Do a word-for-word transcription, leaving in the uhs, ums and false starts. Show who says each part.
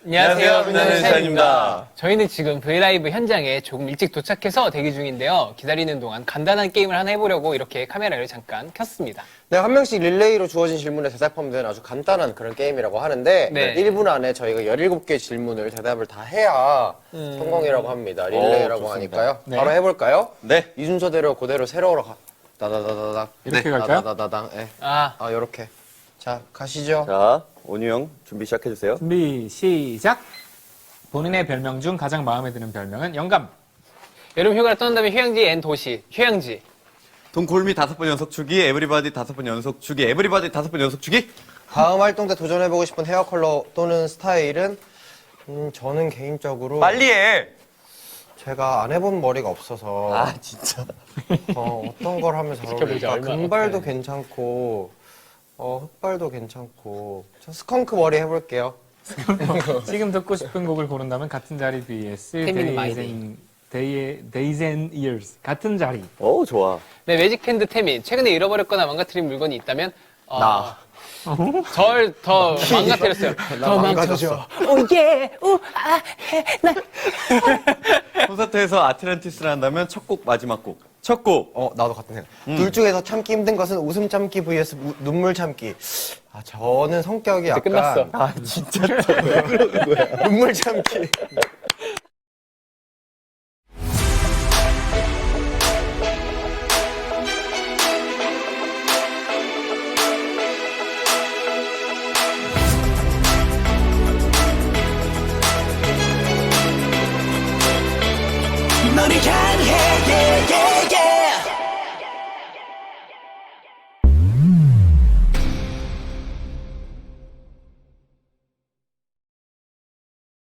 Speaker 1: 안녕하세요, 빛나는 샤인입니다.
Speaker 2: 저희는 지금 브이라이브 현장에 조금 일찍 도착해서 대기 중인데요. 기다리는 동안 간단한 게임을 하나 해보려고 이렇게 카메라를 잠깐 켰습니다.
Speaker 1: 네, 한 명씩 릴레이로 주어진 질문에 대답하면 되는 아주 간단한 그런 게임이라고 하는데
Speaker 2: 네.
Speaker 1: 일 분 안에 저희가 열일곱 개 질문을 대답을 다 해야
Speaker 2: 음.
Speaker 1: 성공이라고 합니다. 릴레이라고
Speaker 3: 오, 좋습니다.
Speaker 1: 하니까요.
Speaker 4: 네.
Speaker 1: 바로 해볼까요?
Speaker 3: 네.
Speaker 1: 이 순서대로 그대로 세로로 가. 다다다다닥.
Speaker 4: 이렇게 갈까요?
Speaker 1: 다다다다당. 네.
Speaker 2: 아,
Speaker 1: 아, 요렇게. 자, 가시죠.
Speaker 3: 자, 온유 형 준비 시작해주세요.
Speaker 4: 준비 시작. 본인의 별명 중 가장 마음에 드는 별명은 영감.
Speaker 2: 여름 휴가를 떠난다면 휴양지 앤 도시, 휴양지.
Speaker 3: 동골미 다섯 번 연속 주기, 에브리바디 다섯 번 연속 주기, 에브리바디 다섯 번 연속 주기.
Speaker 1: 다음 활동 때 도전해보고 싶은 헤어 컬러 또는 스타일은 음, 저는 개인적으로
Speaker 3: 빨리 해.
Speaker 1: 제가 안 해본 머리가 없어서
Speaker 3: 아, 진짜.
Speaker 1: 어, 어떤 걸 하면 잘
Speaker 2: 지켜보자,
Speaker 1: 어울릴까?
Speaker 2: 얼마나
Speaker 1: 금발도
Speaker 2: 어때?
Speaker 1: 괜찮고 어, 흑발도 괜찮고 저 스컹크 머리 해볼게요.
Speaker 4: 지금 듣고 싶은 곡을 고른다면 같은 자리 vs
Speaker 2: 태민은
Speaker 4: Days and, Day, Days and Years. 같은 자리.
Speaker 3: 오, 좋아.
Speaker 2: 네, 매직핸드 태민. 최근에 잃어버렸거나 망가뜨린 물건이 있다면 어,
Speaker 1: 나.
Speaker 2: 절 더 망가뜨렸어요.
Speaker 1: 나 망가졌어.
Speaker 2: 오예, 우아, 해, 나.
Speaker 3: 콘서트에서 아틀란티스를 한다면 첫 곡, 마지막 곡. 첫 곡.
Speaker 1: 어, 나도 같은 생각. 둘 중에서 참기 힘든 것은 웃음 참기 vs 우- 눈물 참기. 아, 저는 성격이 약간
Speaker 2: 끝났어.
Speaker 3: 아, 진짜.
Speaker 1: 눈물 참기.